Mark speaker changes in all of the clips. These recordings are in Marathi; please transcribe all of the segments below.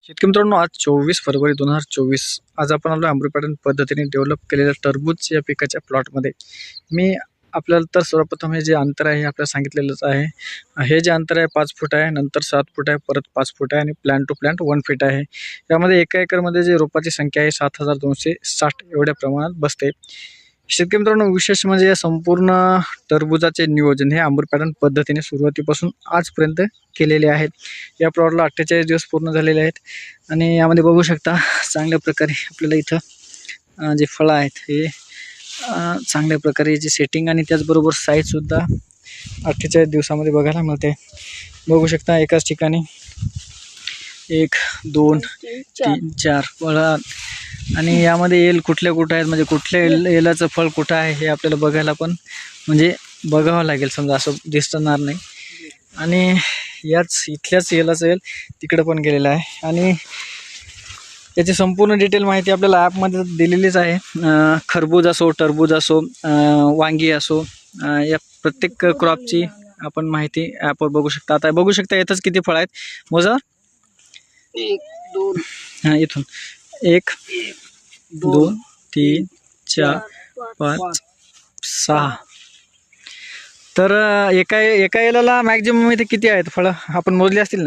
Speaker 1: शेतकरी मित्रांनो, आज 24 फेब्रुवारी 2024 आज आपण आलो अमृत पॅटर्न पद्धतीने डेव्हलप केलेल्या टरबूज या पिकाच्या प्लॉटमध्ये. मी आपल्याला तर सर्वप्रथम हे जे अंतर आहे हे आपल्याला सांगितलेलंच आहे. हे जे अंतर आहे 5 फूट आहे, नंतर 7 फूट आहे, परत 5 फूट आहे आणि प्लांट टू प्लांट 1 फीट आहे. यामध्ये एका एकरमध्ये जे रोपाची संख्या आहे 7260 एवढ्या प्रमाणात बसते. शेतकरी मित्रांनो, विशेष म्हणजे या संपूर्ण टरबुजाचे नियोजन हे अमृत पॅटर्न पद्धतीने सुरुवातीपासून आजपर्यंत केलेले आहेत. या प्लॉटला 48 दिवस पूर्ण झालेले आहेत आणि यामध्ये बघू शकता चांगल्या प्रकारे आपल्याला इथं जे फळं आहेत हे चांगल्या प्रकारे याची सेटिंग आणि त्याचबरोबर साईजसुद्धा 48 दिवसामध्ये बघायला मिळते. बघू शकता एकाच ठिकाणी 1 2 3 4 फळं आणि यामध्ये एल कुठल्या कुठं आहेत, म्हणजे कुठल्या एलाचं फळ कुठं आहे हे आपल्याला बघायला पण म्हणजे बघावं लागेल, समजा असं दिसणार नाही. आणि याच इथल्याच एलाचं एल तिकडं पण गेलेलं आहे आणि याची संपूर्ण डिटेल माहिती आपल्याला ॲपमध्ये दिलेलीच आहे. खरबूज असो, टरबूज असो, वांगी असो, या प्रत्येक क्रॉपची आपण माहिती ॲपवर बघू शकता. आता बघू शकता येतच किती फळं आहेत, मोजा.
Speaker 2: 1 2
Speaker 1: हां, इथून 1 2 3 4 5 6. तर एका एलाला मॅक्झिमम इथे किती आहेत फळं आपण मोजली असतील ना?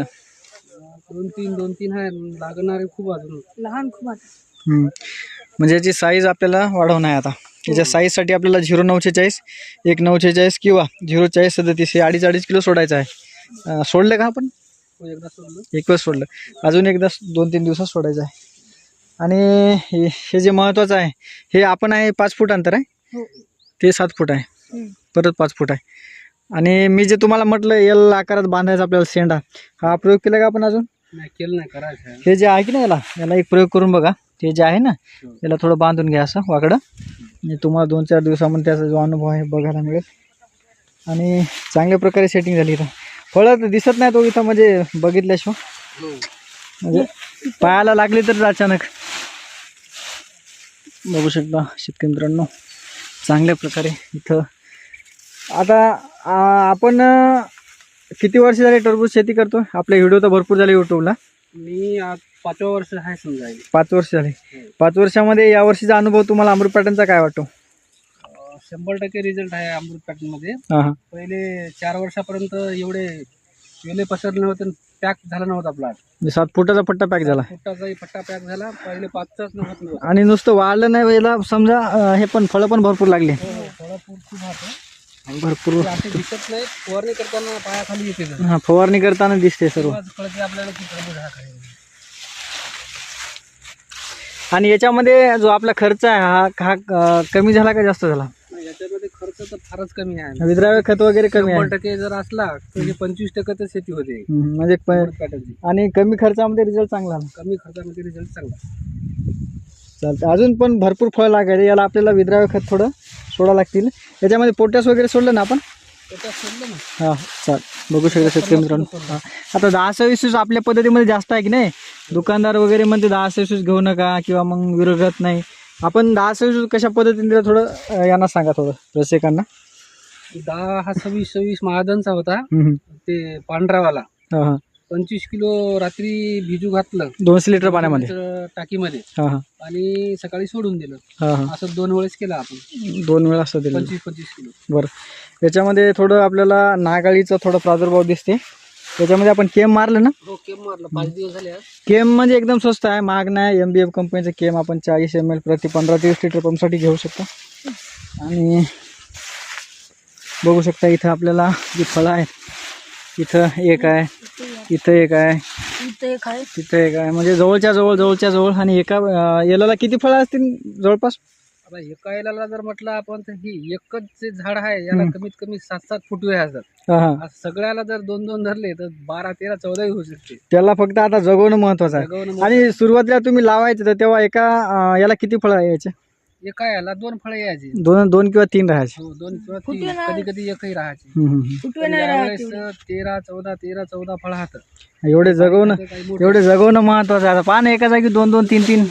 Speaker 2: 2-3 आहे. लागणारे खूप अजून लहान खूप आहे.
Speaker 1: म्हणजे याची साईज आपल्याला वाढवणं आहे. आता याच्या साईजसाठी आपल्याला 0,946 1,946 किंवा 0,4037 हे 2.5 किलो सोडायचं आहे. सोडलं का आपण?
Speaker 2: एकदा सोडलं,
Speaker 1: एक वेळ सोडलं, अजून एकदा 2-3 दिवसात सोडायचं आहे. आणि हे जे महत्त्वाचं आहे हे आपण आहे 5 फूट अंतर आहे, ते 7 फूट आहे, परत 5 फूट आहे. आणि मी जे तुम्हाला म्हटलं एल आकारात बांधायचा आपल्याला शेंडा, हा प्रयोग केला का आपण? अजून
Speaker 2: नाही केलं, नाही करायचं आहे.
Speaker 1: हे जे आहे की नाही याला एक प्रयोग करून बघा. ते जे आहे ना याला थोडं बांधून घ्या असं वाकडं, म्हणजे तुम्हाला 2-4 दिवसामध्ये त्याचा जो अनुभव आहे बघायला मिळेल. आणि चांगल्या प्रकारे सेटिंग झाली. इथं फळं तर दिसत नाही तो इथं, म्हणजे बघितल्याशिवाय म्हणजे पायाला लागली तर अचानक. बघू शकता शेतकरी मित्रांनो चांगल्या प्रकारे इथं. आता आपण किती वर्ष झाले टरबूज शेती करतो? आपले व्हिडिओ तर भरपूर झाले यूट्यूबला.
Speaker 2: मी आज 5व्या वर्ष आहे समजा.
Speaker 1: 5 वर्ष झाले. 5 वर्षामध्ये या वर्षीचा अनुभव तुम्हाला अमृत पॅटर्नचा काय वाटतो?
Speaker 2: 100% रिझल्ट आहे अमृत पॅटर्न मध्ये.
Speaker 1: हां,
Speaker 2: पहिले 4 वर्षापर्यंत एवढे वेले पसरले होते, पॅक झाला नव्हता प्लॉट.
Speaker 1: 7 फुटाचा पट्टा पॅक झाला,
Speaker 2: फुटाचाही पट्टा पॅक झाला. पहिले 5चाच नव्हता
Speaker 1: आणि नुसतं वाढलं नाही याला, समजा हे पण फळं पण भरपूर लागले.
Speaker 2: फळं खूप होतं,
Speaker 1: भरपूर
Speaker 2: असे दिसत नाही. फवारणी करताना पायाखाली येते.
Speaker 1: हां, फवारणी करताना दिसते सर्व.
Speaker 2: कळते आपल्याला की टरबूज हा खाली.
Speaker 1: आणि याच्यामध्ये जो आपला खर्च आहे हा कमी झाला का जास्त झाला?
Speaker 2: याच्यामध्ये खर्च तर फारच कमी आहे.
Speaker 1: विद्राव्य खत वगैरे कमी आहे.
Speaker 2: 100% जर असला तर 25% तर शेती होते
Speaker 1: म्हणजे
Speaker 2: पॅटर्नची.
Speaker 1: आणि कमी खर्चामध्ये रिझल्ट चांगला आला.
Speaker 2: कमी खर्चामध्ये रिझल्ट चांगला.
Speaker 1: चालतं. अजून पण भरपूर फळ लागेल याला, आपल्याला विद्राव्य खत थोडं सोडा लागतील. याच्यामध्ये पोटॅश वगैरे सोडलं ना आपण?
Speaker 2: सोडलं ना.
Speaker 1: हां, चाल. बघू शकता शेतकरी मित्रांनो. हां, आता 10-26 आपल्या पद्धतीमध्ये जास्त आहे की नाही? दुकानदार वगैरे म्हणते 10-26 घेऊ नका किंवा मग विरोधात नाही. आपण 10-26 कशा पद्धतीने दिलं थोडं यांना सांगा, थोडं रसिकांना.
Speaker 2: 10 हा 26 महाजनचा होता,
Speaker 1: हम्म.
Speaker 2: ते पांढरावाला.
Speaker 1: हां,
Speaker 2: 25 किलो रात्री भिजू घातलं
Speaker 1: 200 लिटर पाण्यामध्ये
Speaker 2: टाकीमध्ये,
Speaker 1: हां
Speaker 2: आणि सकाळी सोडून दिलं.
Speaker 1: हां,
Speaker 2: असं 2 वेळेस केलं आपण.
Speaker 1: 2 वेळा असं दिलं.
Speaker 2: 25 किलो.
Speaker 1: बरं. याच्यामध्ये थोडं आपल्याला नागाळीचा थोडा प्रादुर्भाव दिसते. याच्यामध्ये आपण केम मारलं ना?
Speaker 2: हो, केम मारलं. 5 दिवस झाले आज.
Speaker 1: केम म्हणजे एकदम स्वस्त आहे, महाग नाही. MBF कंपनीचं केम आपण 40 ml प्रति 15-30 लिटर पंपसाठी घेऊ शकता. आणि बघू शकता इथं आपल्याला जी फळं आहेत, इथं एक आहे, इथं एक आहे, तिथं एक आहे, म्हणजे जवळच्या जवळ. आणि एका याला किती फळं असतील जवळपास?
Speaker 2: आता एका याला जर म्हटलं आपण तर ही एकच जे झाड आहे याला कमीत कमी 7-7 फूट वेळ असतात.
Speaker 1: हां,
Speaker 2: सगळ्याला जर 2-2 धरले तर 12-13-14 होऊ शकते.
Speaker 1: त्याला फक्त आता जगवणं महत्वाचं आहे. आणि सुरुवातीला तुम्ही लावायचं तर तेव्हा एका याला किती फळं यायचे?
Speaker 2: एका याला 2 फळं यायची.
Speaker 1: 2 किंवा 3 राहायचे.
Speaker 2: 2 किंवा 3, कधी एकही राहायची.
Speaker 1: हम्म.
Speaker 2: 13-14 फळं हात.
Speaker 1: एवढे जगवणं महत्वाचं आहे. आता पान एका जागी 2-2 3-3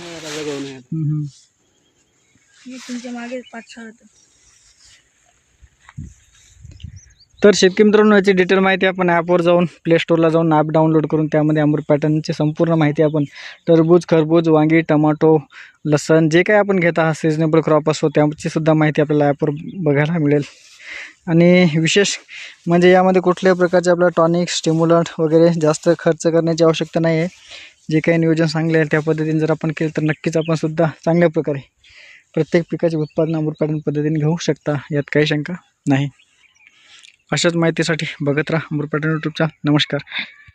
Speaker 3: तुमच्या मागे 5-6.
Speaker 1: तर शेतकरी मित्रांनो, याची डिटेल माहिती आपण ॲपवर जाऊन प्ले स्टोरला जाऊन ॲप डाउनलोड करून त्यामध्ये अमृत पॅटर्नची संपूर्ण माहिती आपण टरबूज, खरबूज, वांगी, टमाटो, लसण जे काही आपण घेत आहात सिजनेबल क्रॉप असतो त्याची सुद्धा माहिती आपल्याला ॲपवर बघायला मिळेल. आणि विशेष म्हणजे यामध्ये कुठल्याही प्रकारचे आपल्याला टॉनिक, स्टिम्युलंट वगैरे जास्त खर्च करण्याची आवश्यकता नाही आहे. जे काही नियोजन सांगले आहे त्या पद्धतीने जर आपण केलं तर नक्कीच आपण सुद्धा चांगल्या प्रकारे प्रत्येक पिकाचे उत्पादन अमृत पॅटर्न पद्धतीने घेऊ शकता, यात काही शंका नाही. अशाच माहितीसाठी बघत राहा अमृत पॅटर्न यूट्यूब चॅनल. नमस्कार.